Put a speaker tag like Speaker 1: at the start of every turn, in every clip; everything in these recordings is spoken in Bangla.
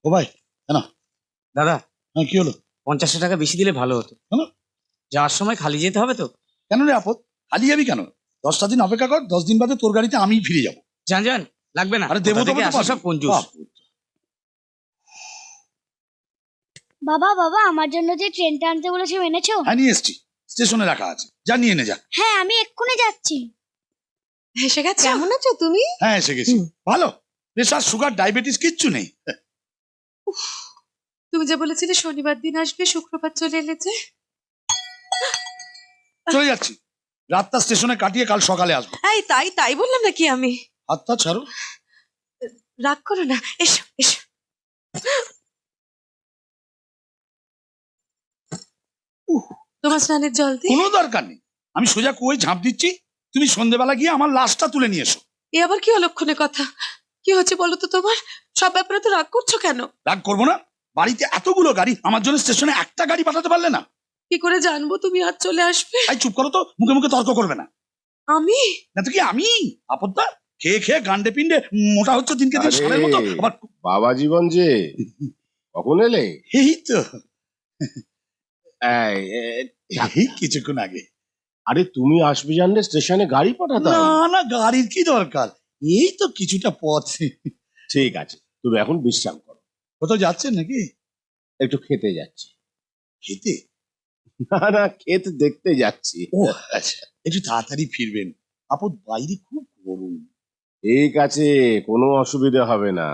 Speaker 1: ও ভাই কেন?
Speaker 2: দাদা
Speaker 1: হ্যাঁ কি হলো?
Speaker 2: 50 টাকা বেশি দিলে ভালো হতো।
Speaker 1: কেন?
Speaker 2: যাওয়ার সময় খালি যেতে হবে তো।
Speaker 1: কেন রে আপদ, খালি যাবি কেন? 10টা দিন অপেক্ষা কর, 10 দিন বাদে তোর গাড়িতে আমি ফিরে যাবো।
Speaker 2: যান যান, লাগবে না।
Speaker 1: আরে দেবো
Speaker 2: কোথা
Speaker 1: তবে
Speaker 2: থেকে
Speaker 1: তো
Speaker 2: আসে
Speaker 1: পারবি।
Speaker 2: সব কঞ্জুস।
Speaker 3: বাবা বাবা আমার জন্য যে ট্রেনটা আনতে বলেছো এনেছো?
Speaker 1: হ্যাঁ নিয়ে এসছি, স্টেশনে রাখা আছে, যা নিয়ে নে যা।
Speaker 3: হ্যাঁ আমি এক্ষুনি যাচ্ছি।
Speaker 4: এসে গেছে। কেমন আছো তুমি?
Speaker 1: হ্যাঁ এসে গেছি, ভালো। প্রেশার সুগার ডায়াবেটিস কিচ্ছু নেই।
Speaker 4: তুমি যে বলেছিলে শনিবার দিন আসবে, শুক্রবার চলে এলে যে।
Speaker 1: চলে যাচ্ছি, রাতটা স্টেশনে কাটিয়ে কাল সকালে আসবো।
Speaker 4: এই তাই বললাম নাকি আমি?
Speaker 1: হাতটা ছাড়ো।
Speaker 4: রাগ করো না, এসো এসো। তোমার স্নানের জল দি।
Speaker 1: কোনো দরকার নেই, আমি সোজা কুয়োয় ঝাঁপ দিচ্ছি, তুমি সন্ধ্যেবেলা গিয়ে আমার লাশটা তুলে নিয়ে এসো।
Speaker 4: এ আবার কি অলক্ষণে কথা? কি হচ্ছে বলো তো তোমার? সব ব্যাপারে তো রাগ করছো কেন?
Speaker 1: রাগ করবো না, বাড়িতে এতগুলো গাড়ি, আমার জন্য স্টেশনে একটা গাড়ি পাঠাতে পারলে না?
Speaker 4: কি করে জানবো তুমি আজ চলে আসবে?
Speaker 1: তাই চুপ করো তো, মুখে মুখে তর্ক করবে না।
Speaker 4: আমি?
Speaker 1: না তো কি আমি? আপদটা খেয়ে খেয়ে গান্ডে পিন্ডে মোটা হচ্ছে দিনকে দিন, সারের মতো। আবার
Speaker 5: বাবা জীবন যে কখন এলে?
Speaker 1: এই তো
Speaker 5: এই,
Speaker 1: এই কিছুক্ষণ আগে।
Speaker 5: আরে তুমি আসবে জানলে স্টেশনে গাড়ি পাঠাতাম।
Speaker 1: না না, গাড়ির কি দরকার, এই তো কিছুটা পথ।
Speaker 5: ঠিক আছে, তুমি এখন বিশ্রাম করো।
Speaker 1: কোথাও যাচ্ছেন নাকি?
Speaker 5: একটু খেতে যাচ্ছি।
Speaker 1: খেতে?
Speaker 5: না না, খেতে দেখতে যাচ্ছি।
Speaker 1: ও আচ্ছা, একটু তাড়াতাড়ি ফিরবেন, আপদ বাইরে খুব গরম।
Speaker 5: ঠিক আছে, কোনো অসুবিধা হবে না।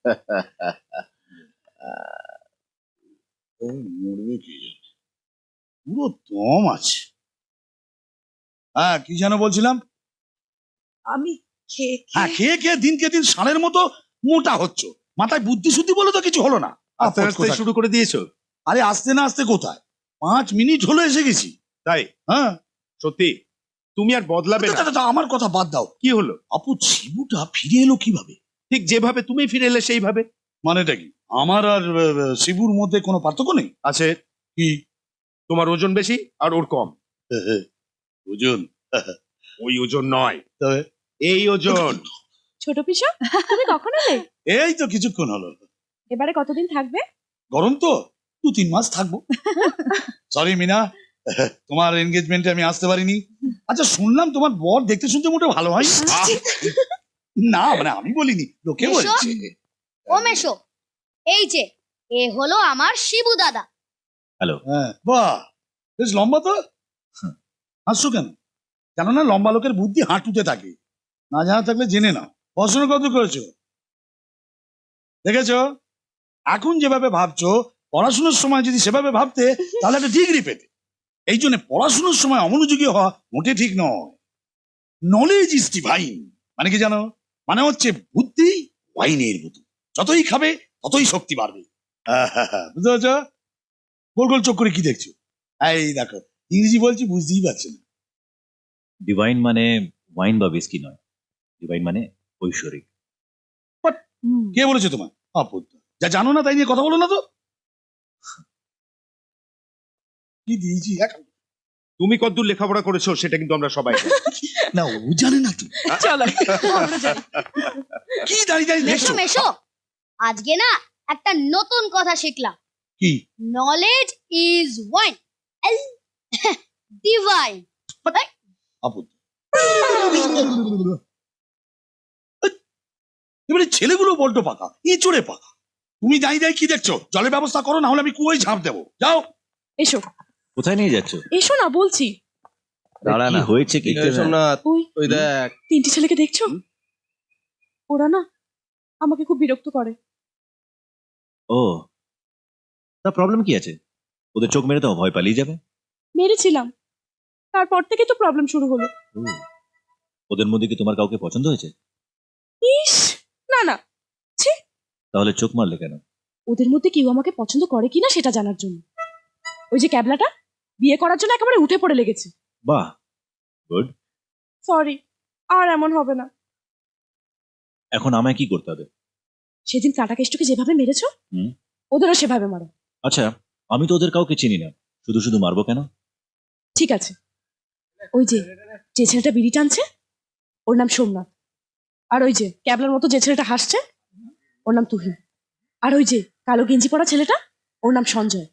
Speaker 1: ও মরবে কি জানে, পুরো দম আছে। হ্যাঁ কি যেন বলছিলাম?
Speaker 4: আমি খেয়ে
Speaker 1: হ্যাঁ খেয়ে খেয়ে দিনকে দিন ষাঁড়ের মতো মোটা হচ্ছ, মাথায় বুদ্ধি শুদ্ধি বলে তো কিছু হলো না।
Speaker 6: আস্তে আস্তে শুরু করে দিয়েছো?
Speaker 1: আরে আসতে না আসতে কোথায়, 5 মিনিট হলো এসে গেছি।
Speaker 6: তাই?
Speaker 1: হ্যাঁ
Speaker 6: সত্যি তুমি আর বদলাবে না?
Speaker 1: দাদা, আমার কথা বাদ দাও,
Speaker 6: কি হলো?
Speaker 1: আপু শিবুটা ফিরে এলো কিভাবে?
Speaker 6: ঠিক যেভাবে তুমি ফিরে এলে সেইভাবে।
Speaker 1: মানেটা কি, আমার আর শিবুর মধ্যে কোনো পার্থক্য নেই?
Speaker 6: আছে।
Speaker 1: কি?
Speaker 6: তোমার ওজন বেশি আর ওর কম।
Speaker 1: ওজন?
Speaker 6: ওই ওজন নয়,
Speaker 1: তবে
Speaker 6: এই ওজন।
Speaker 7: ছোট পিসা, তুমি কখন এলে?
Speaker 1: এই তো কিছুক্ষণ হলো।
Speaker 7: এবারে কতদিন থাকবে?
Speaker 1: গরম তো, 2-3 মাস থাকবো। সরি মিনা, তোমার এনগেজমেন্টে আমি আসতে পারিনি। আচ্ছা শুনলাম তোমার বর দেখতে শুনতে মোটে ভালো হয় না, মানে আমি বলিনি, লোকে
Speaker 3: এসো।
Speaker 1: বলছে।
Speaker 3: ও মেশো, এই যে এ হলো আমার শিবু দাদা।
Speaker 1: হ্যাঁ বাহ, বেশ লম্বা তো। হাসছো কেন? কেননা লম্বা লোকের বুদ্ধি হাঁটুতে থাকে, না জানা থাকলে জেনে নাও। পড়াশোনা কত করেছো দেখেছো? এখন যেভাবে ভাবছো, পড়াশোনার সময় যদি সেভাবে ভাবতে তাহলে একটা ডিগ্রি পেতে। এই জন্য পড়াশোনার সময় অমনোযোগী হওয়া মোটে ঠিক নয়। নলেজ ইজ ডিভাইন মানে কি জানো? মানে হচ্ছে বুদ্ধি ওয়াইনের মতো, যতই খাবে ততই শক্তি বাড়বে। বুঝতে পারছো? গোল গোল চোখ করে কি দেখছো? এই দেখো, ইংরেজি বলছি বুঝতেই পারছে না।
Speaker 8: ডিভাইন মানে ওয়াইন বা বিস্কি নয়, ডিভাইন মানে ঐশ্বরিক।
Speaker 1: কে বলেছে তোমার? আপদ, যা জানো না তাই নিয়ে কথা বলো না তো। কি দিয়েছি এখন?
Speaker 6: তুমি কতদূর লেখাপড়া করেছো সেটা কিন্তু আমরা সবাই জানি।
Speaker 1: না ও জানে না তো।
Speaker 4: চলো আমরা যাই।
Speaker 1: কি দাঁড়িয়ে দাঁড়িয়ে
Speaker 3: মেশো
Speaker 1: দেখছো?
Speaker 3: মেশো, আজকে না একটা নতুন কথা শিখলাম।
Speaker 1: কি?
Speaker 3: Knowledge is wine divine.
Speaker 1: আপদ, এবারে ছেলেগুলো বড্ড পাকা, এঁচড়ে পাকা। তুমি দাঁড়িয়ে দাঁড়িয়ে কি দেখছো? জলের ব্যবস্থা করো, না হলে আমি কুয়োয় ঝাঁপ দেবো। যাও।
Speaker 7: এসো
Speaker 8: কোথায় নিয়ে যাচ্ছ?
Speaker 7: এসো না বলছি।
Speaker 8: দাঁড়া না, হয়েছে কি?
Speaker 7: ওই
Speaker 5: ওই দেখ,
Speaker 7: 3টে ছেলেকে দেখছো? ওরা না আমাকে খুব বিরক্ত করে।
Speaker 8: ও, তা প্রবলেম কি আছে? ওদের চোখ মেরে তো ভয় পালিয়ে যাবে।
Speaker 7: মেরেছিলাম, তারপর থেকে তো প্রবলেম শুরু হলো।
Speaker 8: ও, ওদের মধ্যে কি তোমার কাউকে পছন্দ হয়েছে?
Speaker 7: ইস, না না, ছি।
Speaker 8: তাহলে চোখ মারলে কেন?
Speaker 7: ওদের মধ্যে কেউ আমাকে পছন্দ করে কিনা সেটা জানার জন্য। ওই যে ক্যাবলাটা বিয়ে করার জন্য একেবারে উঠে পড়ে লেগেছে।
Speaker 8: বাহ, গুড।
Speaker 7: সরি, আর এমন হবে না।
Speaker 8: এখন আমায় কি করতে হবে?
Speaker 7: সেদিন কাটা কেষ্টকে যেভাবে মেরেছো,
Speaker 8: হুম।
Speaker 7: ওদেরও সেভাবে মারো।
Speaker 8: আচ্ছা, আমি তো ওদের কাউকে চিনি না, শুধু শুধু মারবো কেন?
Speaker 7: ঠিক আছে, ওই যে যে ছেলেটা বিড়ি টানছে ওর নাম সোমনাথ, আর ওই যে ক্যাবলার মতো যে ছেলেটা হাসছে ওর নাম তুহিন। আর ওই যে কালো গেঞ্জি পরা ছেলেটা, ওর নাম সঞ্জয়।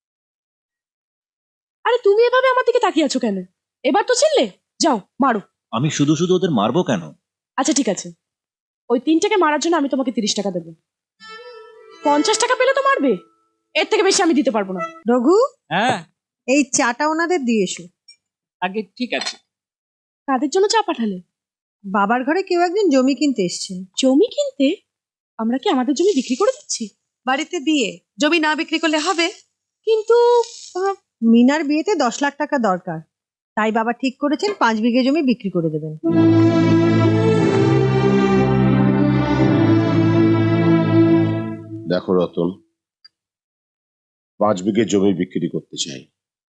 Speaker 7: আরে তুমি এভাবে আমার দিকে তাকিয়ে আছো কেন? এবার তো চিনলে, যাও মারো।
Speaker 8: আমি শুধু শুধু ওদের মারবো কেন?
Speaker 7: আচ্ছা ঠিক আছে, ওই 3টাকে মারার জন্য আমি তোমাকে 30 টাকা দেবো। 50 টাকা পেলে তো মারবে, এর থেকে বেশি আমি দিতে পারবো না।
Speaker 9: রঘু,
Speaker 2: হ্যাঁ
Speaker 9: এই চাটা ওনাদের দিয়ে এসো।
Speaker 2: আগে ঠিক আছে।
Speaker 7: কাদের জন্য চা পাঠালে?
Speaker 9: বাবার ঘরে কেউ একজন জমি কিনতে এসছেন।
Speaker 7: জমি কিনতে? আমরা কি আমাদের জমি বিক্রি করে দিচ্ছি?
Speaker 4: বাড়িতে বিয়ে, জমি না বিক্রি করলে হবে?
Speaker 7: কিন্তু
Speaker 9: মিনার বিয়েতে 10 লাখ টাকা দরকার, তাই বাবা ঠিক করেছেন 5 বিঘে জমি বিক্রি করে দেবেন।
Speaker 5: দেখো রতন, 5 বিঘে জমি বিক্রি করতে চাই।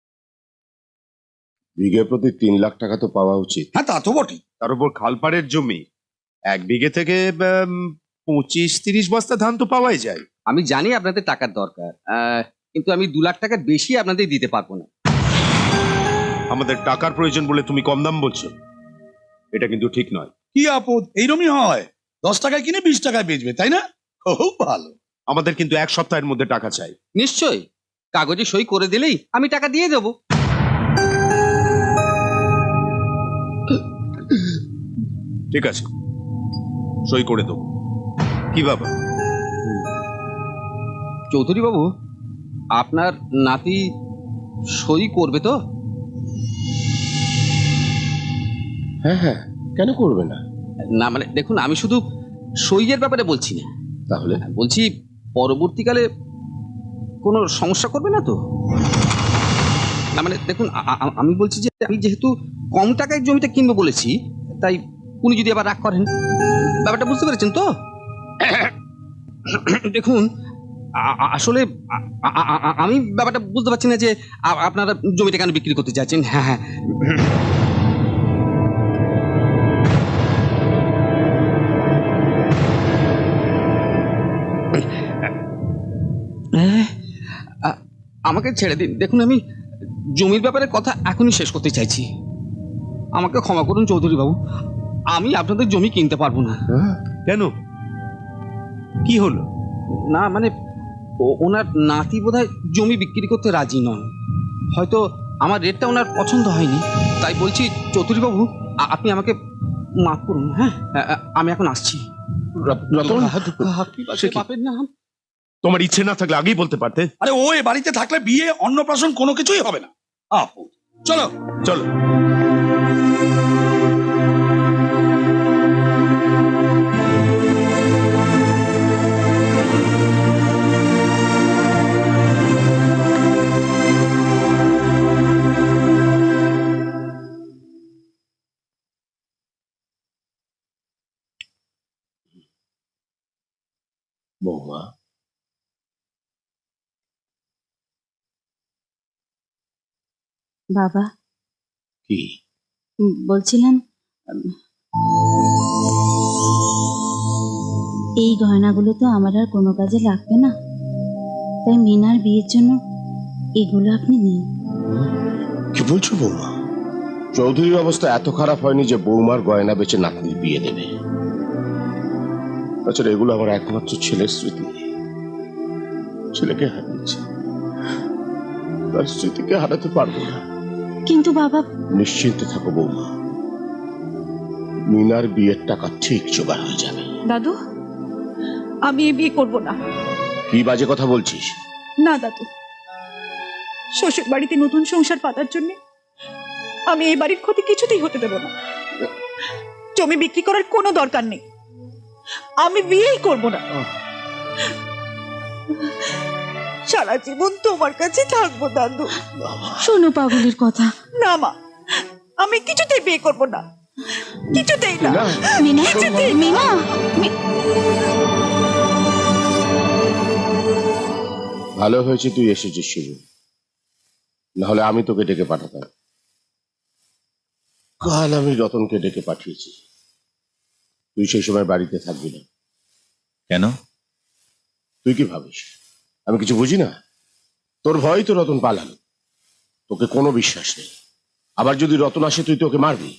Speaker 5: বিঘে প্রতি 3 লাখ টাকা তো পাওয়া উচিত।
Speaker 1: হ্যাঁ তা তো বটেই।
Speaker 6: তার উপর খালপাড়ের জমি, 1 বিঘে থেকে 25-30 বস্তা ধান তো পাওয়াই যায়।
Speaker 2: আমি জানি আপনাদের টাকার দরকার, কিন্তু আমি 2 লাখ টাকার বেশি আপনাদের দিতে পারবো না।
Speaker 6: আমাদের টাকার প্রয়োজন বলে তুমি কম দাম বলছো, এটা কিন্তু ঠিক নয়।
Speaker 1: কি আপদ, এইরকমই হয়। 10 টাকায় কিনে 20 টাকায় বেচবে, তাই না? খুব ভালো।
Speaker 6: আমাদের কিন্তু 1 সপ্তাহের মধ্যে টাকা চাই।
Speaker 2: নিশ্চয়ই, কাগজে সই করে দিলেই আমি টাকা দিয়ে দেবো।
Speaker 6: ঠিক আছে, সই করে দেবো। কি বাবা?
Speaker 2: চৌধুরী বাবু, আপনার নাতি সই করবে তো?
Speaker 5: হ্যাঁ হ্যাঁ, কেন করবে না?
Speaker 2: না মানে দেখুন, আমি শুধু সইয়ের ব্যাপারে বলছি না,
Speaker 5: তাহলে
Speaker 2: বলছি পরবর্তীকালে কোনো সমস্যা করবে না তো? না মানে দেখুন, আমি বলছি যে আমি যেহেতু কম টাকায় জমিটা কিনবো বলেছি, তাই উনি যদি আবার রাগ করেন, ব্যাপারটা বুঝতে পেরেছেন তো? দেখুন, আসলে আমি ব্যাপারটা বুঝতে পারছি না যে আপনারা জমিটা কেন বিক্রি করতে চাচ্ছেন। হ্যাঁ হ্যাঁ, আমাকে ছেড়ে দিন। দেখুন, আমি জমির ব্যাপারে কথা এখনই শেষ করতে চাইছি। আমাকে ক্ষমা করুন চৌধুরী বাবু, আমি আপনাদের জমি কিনতে পারবো না।
Speaker 6: কেন, কি হলো?
Speaker 2: না মানে ওনার নাতি বোধহয় জমি বিক্রি করতে রাজি নন। হয়তো আমার রেটটা ওনার পছন্দ হয়নি, তাই বলছি চৌধুরী বাবু, আপনি আমাকে মাফ করুন। হ্যাঁ, আমি এখন আসছি।
Speaker 5: রতন,
Speaker 6: সে কি?
Speaker 2: বাপের নাম।
Speaker 6: তোমার ইচ্ছে না থাকলে আগেই বলতে পারতে।
Speaker 1: আরে ও এ বাড়িতে থাকলে বিয়ে অন্নপ্রাশন কোনো কিছুই হবে না। আপদ, চলো
Speaker 6: চলো।
Speaker 5: বৌমা,
Speaker 10: বাবা,
Speaker 5: কি
Speaker 10: বলছিলাম এই গয়নাগুলো তো আমার আর কোনো কাজে লাগবে না, তাই মিনার বিয়ের জন্য এগুলো আপনি নিন।
Speaker 5: কি বলছো বৌমা? চৌধুরীর অবস্থা এত খারাপ হয়নি যে বৌমার গয়না বেচে নাতনির বিয়ে দেবে। তাছাড়া এগুলো আমার একমাত্র ছেলের স্মৃতি। ছেলেকে হারিয়েছি, তার স্মৃতিকে হারাতে পারবো না।
Speaker 10: কিন্তু বাবা,
Speaker 5: নিশ্চিন্তে থাকো বৌমা, মিনার বিয়ের টাকা ঠিক জোগাড় হয়ে যাবে।
Speaker 4: দাদু, আমি এই বিয়ে করব না।
Speaker 5: কি বাজে কথা বলছিস?
Speaker 4: না দাদু, শ্বশুর বাড়িতে নতুন সংসার পাতার জন্য আমি এই বাড়ির ক্ষতি কিছুতেই হতে দেব না। জমি বিক্রি করার কোনো দরকার নেই, আমি বিয়েই করব না। সারা জীবন তোমার কাছে থাকবো দাদু।
Speaker 10: শোনো পাগলের কথা।
Speaker 4: না মা, আমি কিছুতেই বিয়ে করব না, কিছুতেই না।
Speaker 10: মিনা,
Speaker 4: কিছুতেই না।
Speaker 10: মিনা,
Speaker 5: ভালো হয়েছে তুই এসেছিস শুরু, নাহলে আমি তোকে ডেকে পাঠাতাম। কাল আমি রতনকে ডেকে পাঠিয়েছি, তুই সেই সময় বাড়িতে থাকবি না।
Speaker 8: কেন?
Speaker 5: তুই কি ভাবিস আমি কিছু বুঝি না? তোর ভয় তো রতন পালালো, তোকে কোনো বিশ্বাস নেই। আবার যদি রতন আসে তুই তোকে মারবি।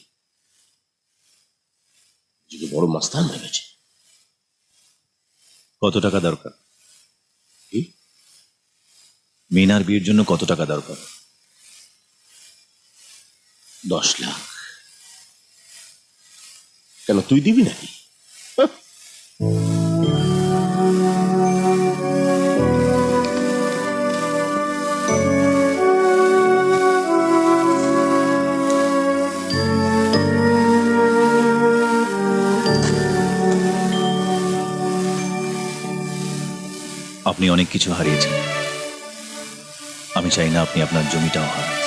Speaker 5: বড় মাস্তান ভেবেছে।
Speaker 8: কত টাকা দরকার?
Speaker 5: কি?
Speaker 8: মিনার বিয়ের জন্য কত টাকা দরকার?
Speaker 5: 10 লাখ। কেন, তুই দিবি নাকি?
Speaker 8: আপনি অনেক কিছু হারিয়েছেন, আমি চাই না আপনি আপনার জমিটাও হারান।